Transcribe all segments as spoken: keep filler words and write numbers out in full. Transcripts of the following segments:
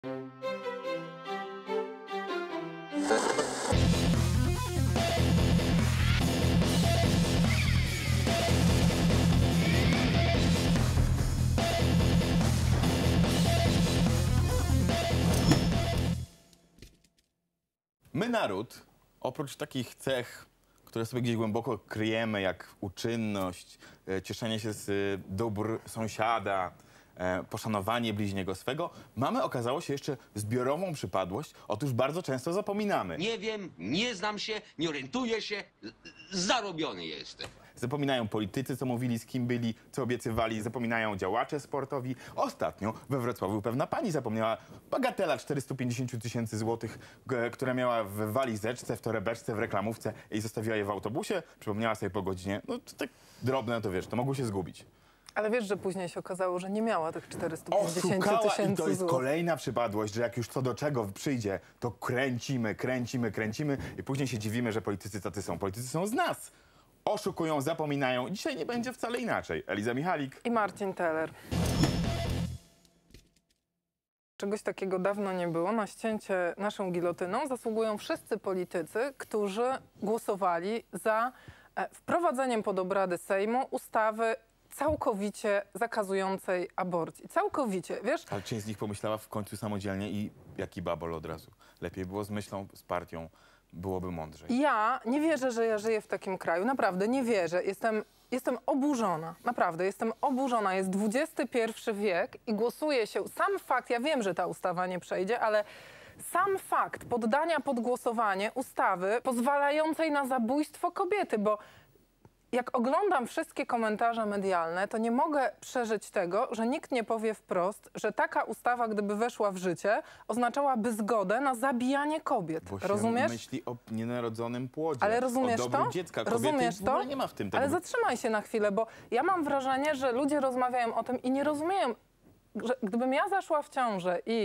My, naród, oprócz takich cech, które sobie gdzieś głęboko kryjemy, jak uczynność, e, cieszenie się z e, dóbr sąsiada, e, poszanowanie bliźniego swego, mamy, okazało się, jeszcze zbiorową przypadłość. Otóż bardzo często zapominamy. Nie wiem, nie znam się, nie orientuję się, zarobiony jestem. Zapominają politycy, co mówili, z kim byli, co obiecywali. Zapominają działacze sportowi. Ostatnio we Wrocławiu pewna pani zapomniała bagatela czterysta pięćdziesiąt tysięcy złotych, g- która miała w walizeczce, w torebeczce, w reklamówce i zostawiła je w autobusie. Przypomniała sobie po godzinie. No to tak drobne, to wiesz, to mogło się zgubić. Ale wiesz, że później się okazało, że nie miała tych czterystu pięćdziesięciu Oszukała i tysięcy to jest złotych. kolejna przypadłość, że jak już co do czego przyjdzie, to kręcimy, kręcimy, kręcimy i później się dziwimy, że politycy tacy są. Politycy są z nas. Oszukują, zapominają. Dzisiaj nie będzie wcale inaczej. Eliza Michalik. I Marcin Teller. Czegoś takiego dawno nie było. Na ścięcie naszą gilotyną zasługują wszyscy politycy, którzy głosowali za e, wprowadzeniem pod obrady Sejmu ustawy całkowicie zakazującej aborcji. Całkowicie, wiesz? Ale część z nich pomyślała w końcu samodzielnie i jaki babol od razu. Lepiej było z myślą, z partią. Byłoby mądrzej. Ja nie wierzę, że ja żyję w takim kraju. Naprawdę nie wierzę. Jestem, jestem oburzona. Naprawdę jestem oburzona. Jest dwudziesty pierwszy wiek i głosuje się. Sam fakt, ja wiem, że ta ustawa nie przejdzie, ale sam fakt poddania pod głosowanie ustawy pozwalającej na zabójstwo kobiety, bo jak oglądam wszystkie komentarze medialne, to nie mogę przeżyć tego, że nikt nie powie wprost, że taka ustawa, gdyby weszła w życie, oznaczałaby zgodę na zabijanie kobiet. Bo się Rozumiesz? myśli o nienarodzonym płodzie, Ale rozumiesz o dobru to? dziecka. Kobiety Rozumiesz w ogóle to? nie ma w tym tego. Ale zatrzymaj się na chwilę, bo ja mam wrażenie, że ludzie rozmawiają o tym i nie rozumieją, że gdybym ja zaszła w ciążę i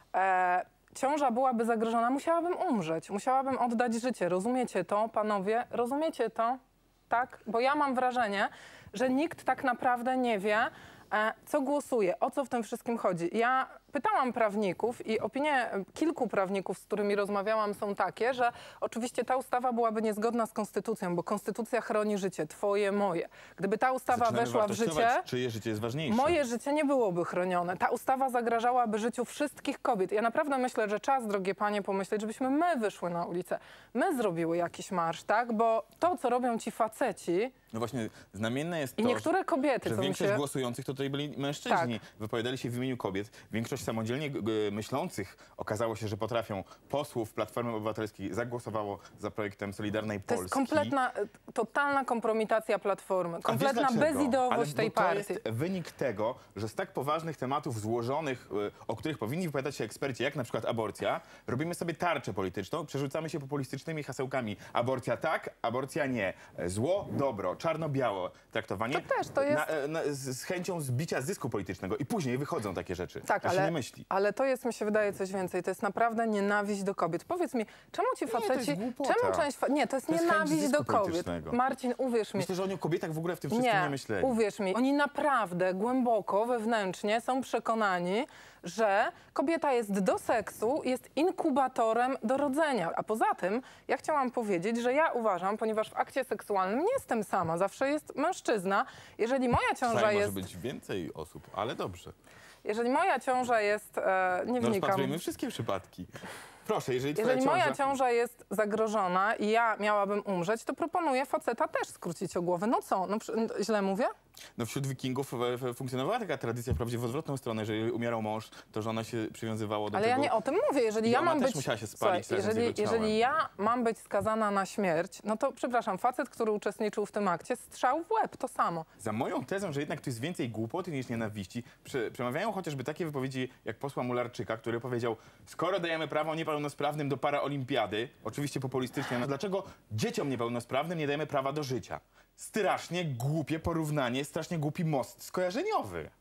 e, ciąża byłaby zagrożona, musiałabym umrzeć, musiałabym oddać życie. Rozumiecie to, panowie? Rozumiecie to? Tak? Bo ja mam wrażenie, że nikt tak naprawdę nie wie, e, co głosuje, o co w tym wszystkim chodzi. Ja pytałam prawników i opinie kilku prawników, z którymi rozmawiałam, są takie, że oczywiście ta ustawa byłaby niezgodna z konstytucją, bo konstytucja chroni życie, twoje, moje. Gdyby ta ustawa Zaczynamy weszła w wartościować, życie, czyje życie jest ważniejsze. moje życie nie byłoby chronione. Ta ustawa zagrażałaby życiu wszystkich kobiet. Ja naprawdę myślę, że czas, drogie panie, pomyśleć, żebyśmy my wyszły na ulicę. My zrobiły jakiś marsz, tak? Bo to, co robią ci faceci... No właśnie, znamienne jest I to, niektóre kobiety, że co mi większość się... głosujących to tutaj byli mężczyźni. Tak. Wypowiadali się w imieniu kobiet. Większość samodzielnie g- g- myślących okazało się, że potrafią. Posłów Platformy Obywatelskiej zagłosowało za projektem Solidarnej To Polski. jest kompletna, e, totalna kompromitacja Platformy. A Kompletna wiesz dlaczego? bezideowość Ale tej bo to partii. jest wynik tego, że z tak poważnych tematów złożonych, y, o których powinni wypowiadać się eksperci, jak na przykład aborcja, robimy sobie tarczę polityczną, przerzucamy się populistycznymi hasełkami. Aborcja tak, aborcja nie. Zło, dobro, czarno-białe traktowanie. To też, to jest- Na, na, z, z chęcią zbicia zysku politycznego. I później wychodzą takie rzeczy. Tak, A się ale, nie myśli. ale to jest, mi się wydaje, coś więcej. To jest naprawdę nienawiść do kobiet. Powiedz mi, czemu ci to jest faceci... głupota. czemu część... Fa... Nie, to jest To jest chęć nienawiść zysku do kobiet. politycznego. Marcin, uwierz mi. Myślę, że oni o kobietach w ogóle w tym wszystkim nie, Nie, myśleli. uwierz mi, oni naprawdę głęboko, wewnętrznie są przekonani, że kobieta jest do seksu, jest inkubatorem do rodzenia. A poza tym ja chciałam powiedzieć, że ja uważam, ponieważ w akcie seksualnym nie jestem sama, zawsze jest mężczyzna. Jeżeli moja ciąża Tutaj jest... może być więcej osób, ale dobrze. Jeżeli moja ciąża jest... E, nie No wnikam. rozpatrujmy wszystkie przypadki. Proszę, jeżeli twoja Jeżeli moja ciąża... ciąża jest zagrożona i ja miałabym umrzeć, to proponuję faceta też skrócić o głowę. No co? No, przy- źle mówię? No wśród wikingów e, e, funkcjonowała taka tradycja wprawdzie w odwrotną stronę, że jeżeli umierał mąż, to żona się przywiązywała do Ale tego. ja nie o tym mówię. Jeżeli I ja ona mam też być... musiała się spalić Słuchaj, razem z jeżeli, jego ciałem. jeżeli ja mam być skazana na śmierć, no to przepraszam, facet, który uczestniczył w tym akcie, strzał w łeb, to samo. Za moją tezą, że jednak tu jest więcej głupoty niż nienawiści, prze, przemawiają chociażby takie wypowiedzi jak posła Mularczyka, który powiedział: skoro dajemy prawo niepełnosprawnym do paraolimpiady, oczywiście populistycznie, no dlaczego dzieciom niepełnosprawnym nie dajemy prawa do życia? Strasznie głupie porównanie, strasznie głupi most skojarzeniowy.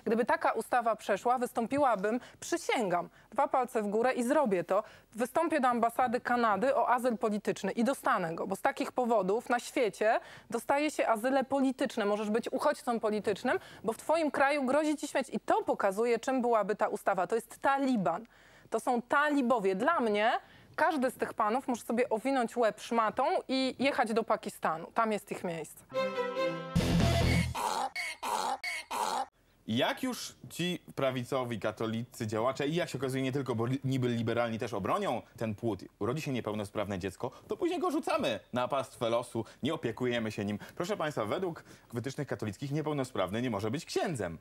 Gdyby taka ustawa przeszła, wystąpiłabym, przysięgam, dwa palce w górę i zrobię to, wystąpię do ambasady Kanady o azyl polityczny i dostanę go, bo z takich powodów na świecie dostaje się azyle polityczne. Możesz być uchodźcą politycznym, bo w twoim kraju grozi ci śmierć. I to pokazuje, czym byłaby ta ustawa. To jest Taliban. To są talibowie. Dla mnie każdy z tych panów może sobie owinąć łeb szmatą i jechać do Pakistanu. Tam jest ich miejsce. Jak już ci prawicowi katolicy działacze i jak się okazuje nie tylko, bo li, niby liberalni też obronią ten płód, urodzi się niepełnosprawne dziecko, to później go rzucamy na pastwę losu, nie opiekujemy się nim. Proszę państwa, według wytycznych katolickich niepełnosprawny nie może być księdzem.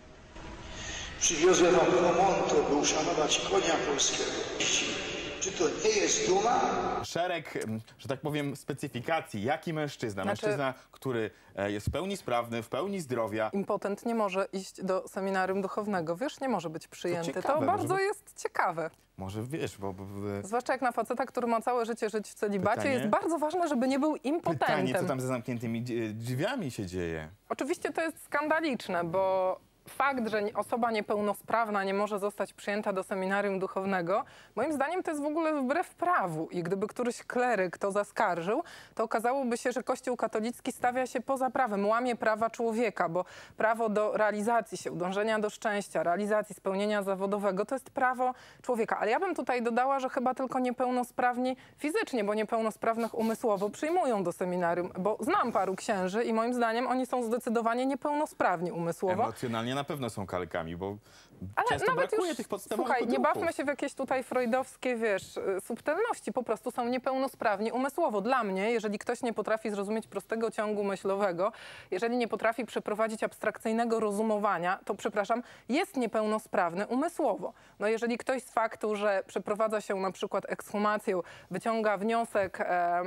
Przywiozłem wam Promonto, by uszanować konia polskiego. Czy to nie jest duma? Szereg, że tak powiem, specyfikacji. Jaki mężczyzna? Znaczy... Mężczyzna, który jest w pełni sprawny, w pełni zdrowia. Impotent nie może iść do seminarium duchownego. Wiesz, nie może być przyjęty. To, ciekawe, bardzo może... jest ciekawe. Może wiesz, bo... bo... Zwłaszcza jak na faceta, który ma całe życie żyć w celibacie, Pytanie? jest bardzo ważne, żeby nie był impotentem. Pytanie, co tam za zamkniętymi drzwiami się dzieje? Oczywiście to jest skandaliczne, bo fakt, że osoba niepełnosprawna nie może zostać przyjęta do seminarium duchownego, moim zdaniem to jest w ogóle wbrew prawu. I gdyby któryś kleryk to zaskarżył, to okazałoby się, że Kościół katolicki stawia się poza prawem, łamie prawa człowieka, bo prawo do realizacji się, dążenia do szczęścia, realizacji, spełnienia zawodowego to jest prawo człowieka. Ale ja bym tutaj dodała, że chyba tylko niepełnosprawni fizycznie, bo niepełnosprawnych umysłowo przyjmują do seminarium, bo znam paru księży i moim zdaniem oni są zdecydowanie niepełnosprawni umysłowo. Emocjonalnie na pewno są kalkami, bo ale często nawet brakuje już, tych podstawowych słuchaj, nie odruchów. bawmy się w jakieś tutaj freudowskie, wiesz, subtelności. Po prostu są niepełnosprawni umysłowo. Dla mnie, jeżeli ktoś nie potrafi zrozumieć prostego ciągu myślowego, jeżeli nie potrafi przeprowadzić abstrakcyjnego rozumowania, to przepraszam, jest niepełnosprawny umysłowo. No jeżeli ktoś z faktu, że przeprowadza się na przykład ekshumację, wyciąga wniosek, e,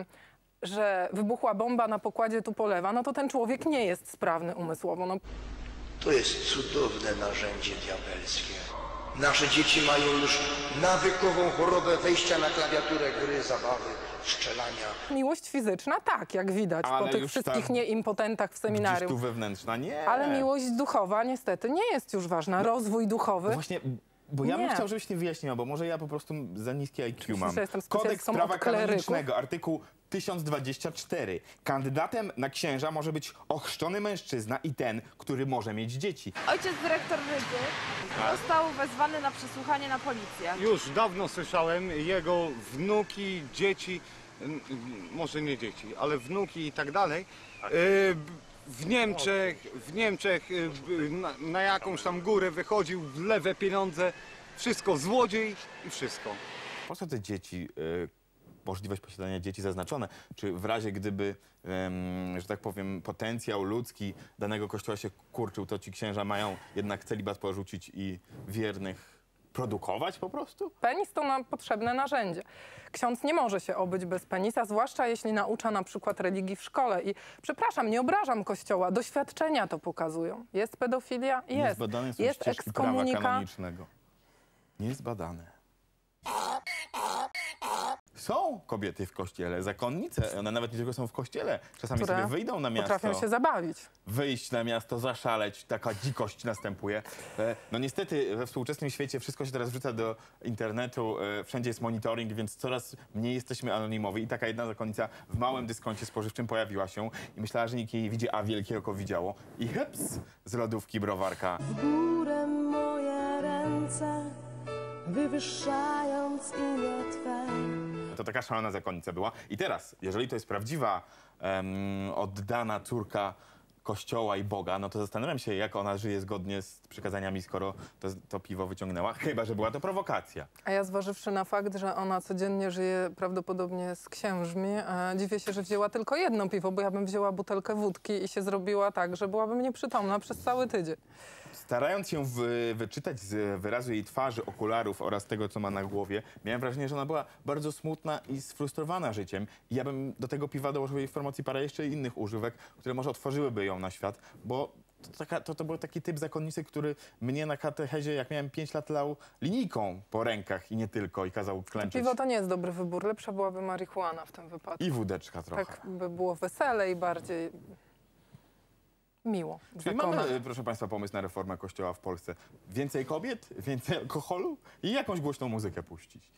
że wybuchła bomba na pokładzie Tupolewa, no to ten człowiek nie jest sprawny umysłowo. No. To jest cudowne narzędzie diabelskie. Nasze dzieci mają już nawykową chorobę wejścia na klawiaturę gry, zabawy, strzelania. Miłość fizyczna tak, jak widać Ale po tych już wszystkich tam nieimpotentach w seminarium. Gdzieś tu wewnętrzna, nie. Ale miłość duchowa niestety nie jest już ważna. Rozwój duchowy. No właśnie, bo ja bym Nie. chciał, żebyś nie wyjaśniła, bo może ja po prostu za niskie I Q mam. że jestem Kodeks specjalistą prawa od kleryków? kanonicznego, artykuł tysiąc dwadzieścia cztery. Kandydatem na księża może być ochrzczony mężczyzna i ten, który może mieć dzieci. Ojciec dyrektor Rydzy został wezwany na przesłuchanie na policję. Już dawno słyszałem, jego wnuki, dzieci, n- n- może nie dzieci, ale wnuki i tak dalej, y, w Niemczech, w Niemczech y, b- na, na jakąś tam górę wychodził, w lewe pieniądze, wszystko złodziej i wszystko. Po co te dzieci, y, możliwość posiadania dzieci zaznaczone? Czy w razie gdyby, ym, że tak powiem, potencjał ludzki danego kościoła się kurczył, to ci księża mają jednak celibat porzucić i wiernych produkować po prostu? Penis to nam potrzebne narzędzie. Ksiądz nie może się obyć bez penisa, zwłaszcza jeśli naucza na przykład religii w szkole. I przepraszam, nie obrażam Kościoła, doświadczenia to pokazują. Jest pedofilia? Jest. Niezbadane są Jest ścieżki prawa ekskomunika. kanonicznego. Niezbadane. Są kobiety w kościele, zakonnice. One nawet nie tylko są w kościele. Czasami które sobie wyjdą na miasto. potrafią się zabawić. Wyjść na miasto, zaszaleć. Taka dzikość następuje. E, No niestety we współczesnym świecie wszystko się teraz wrzuca do internetu. e, Wszędzie jest monitoring, więc coraz mniej jesteśmy anonimowi. I taka jedna zakonnica w małym dyskoncie spożywczym pojawiła się i myślała, że nikt jej nie widzi, a wielkie oko widziało. I heps, z lodówki browarka. W górę moje ręce, wywyższając imię Twe. To taka szalona zakonnica była. I teraz, jeżeli to jest prawdziwa, em, oddana córka Kościoła i Boga, no to zastanawiam się, jak ona żyje zgodnie z przykazaniami, skoro to, to piwo wyciągnęła. Chyba że była to prowokacja. A ja zważywszy na fakt, że ona codziennie żyje prawdopodobnie z księżmi, e, dziwię się, że wzięła tylko jedno piwo, bo ja bym wzięła butelkę wódki i się zrobiła tak, że byłabym nieprzytomna przez cały tydzień. Starając się wy, wyczytać z wyrazu jej twarzy, okularów oraz tego, co ma na głowie, miałem wrażenie, że ona była bardzo smutna i sfrustrowana życiem. I ja bym do tego piwa dołożył jej w formacji parę jeszcze innych używek, które może otworzyłyby ją na świat, bo to, taka, to, to był taki typ zakonnicy, który mnie na katechezie, jak miałem pięć lat, lał linijką po rękach i nie tylko, i kazał klęczeć. Piwo to nie jest dobry wybór, lepsza byłaby marihuana w tym wypadku. I wódeczka trochę. Tak by było weselej bardziej. miło Czyli zakonać. mamy, proszę państwa, pomysł na reformę kościoła w Polsce. Więcej kobiet, więcej alkoholu i jakąś głośną muzykę puścić.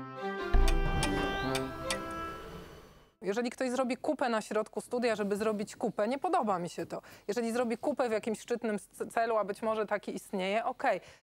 Jeżeli ktoś zrobi kupę na środku studia, żeby zrobić kupę, nie podoba mi się to. Jeżeli zrobi kupę w jakimś szczytnym c- celu, a być może taki istnieje, okej.